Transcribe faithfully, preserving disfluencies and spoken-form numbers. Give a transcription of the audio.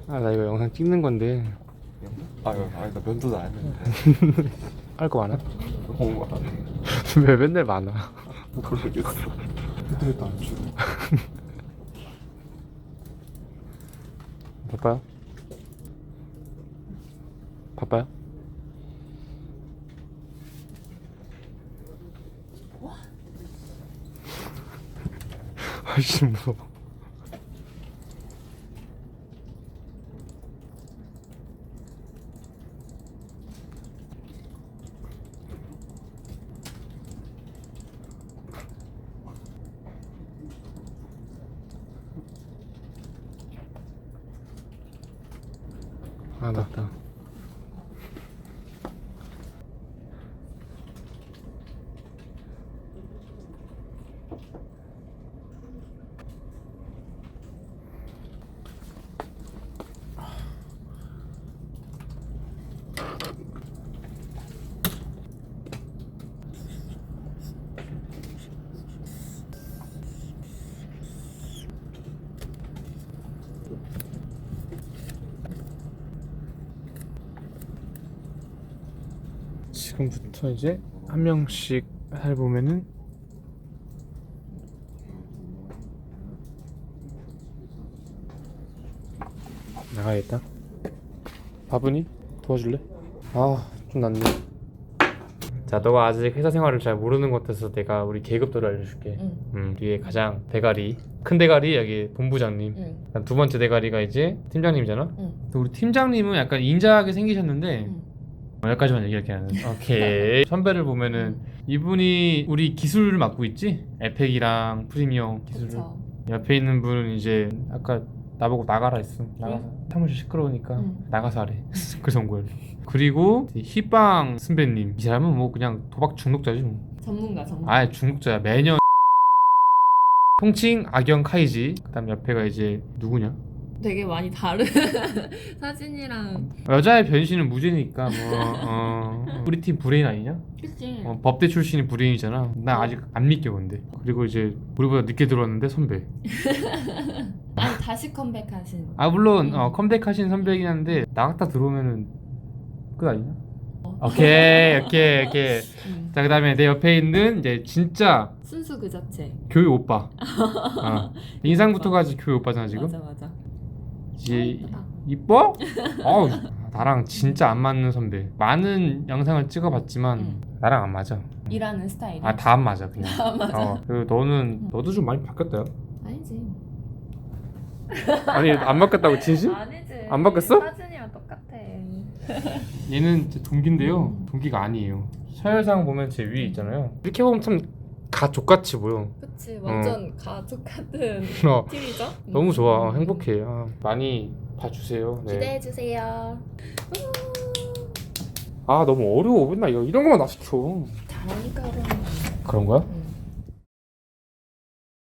아 나 이거 영상 찍는 건데 아, 아니 나 면도도 안 했는데. 할 거 많아? 어, 안 해. 왜 맨날 많아? 모르겠어. 그때도 안 줘. 바빠요? 바빠요? 아씨 무서워. 아 맞다. 지금부터 이제 한 명씩 해보면은 나가야겠다. 바쁘니? 도와줄래? 아 좀 낫네. 자, 너가 아직 회사 생활을 잘 모르는 것 같아서 내가 우리 계급도를 알려줄게. 응. 음, 우리의 가장 대가리, 큰 대가리 여기 본부장님. 응. 그다음 두 번째 대가리가 이제 팀장님이잖아. 응. 우리 팀장님은 약간 인자하게 생기셨는데 응. 어, 여기까지만 얘기할게 나는. 오케이. 선배를 보면은 이분이 우리 기술을 맡고 있지? 에펙이랑 프리미엄 기술을. 그쵸. 옆에 있는 분은 이제 아까 나보고 나가라 했어. 나가서 사무실 시끄러우니까 응. 나가서 하래. 그래서 온 거야. 그리고 희빵 선배님, 이 사람은 뭐 그냥 도박 중독자지 뭐. 전문가 전문가. 아예 중독자야. 매년 통칭 악영 카이지. 그다음 옆에가 이제 누구냐? 되게 많이 다른 사진이랑. 여자의 변신은 무죄니까 뭐 어, 우리 팀 브레인 아니냐? 그치. 어, 법대 출신이 브레인이잖아. 나 아직 안 믿겨 근데. 그리고 이제 우리보다 늦게 들어왔는데 선배. 아니 다시 컴백하신. 아 물론 음. 어, 컴백하신 선배이긴 한데 나갔다 들어오면은 끝 아니냐? 오케이 오케이 오케이. 음. 자 그다음에 내 옆에 있는 이제 진짜 순수 그 자체. 교회 오빠. 어. 인상부터가 아직 교회 오빠잖아 지금. 맞아 맞아. 이제 예쁘다. 이뻐? 어우 나랑 진짜 안 맞는 선배. 많은 영상을 찍어봤지만 응. 나랑 안 맞아. 일하는 스타일이. 아 다 안 맞아 그냥. 다 안 맞아. 어, 그리고 너는 너도 좀 많이 바뀌었다. 아니지. 아니 안 바뀌었다고 진심? 아니지. 안 바뀌었어? 사진이랑 똑같아. 얘는 이제 동기인데요. 음. 동기가 아니에요. 서열상 보면 제 위에 있잖아요. 이렇게 보면 참 가족같이 보여. 그치 완전 가족 같은 어, 팀이죠. 너무 좋아. 어, 행복해. 아, 많이 봐주세요. 네. 기대해 주세요. 아 너무 어려워. 맨날 이런 거만 나 시켜. 잘하니까 그런. 그런 거야? 응.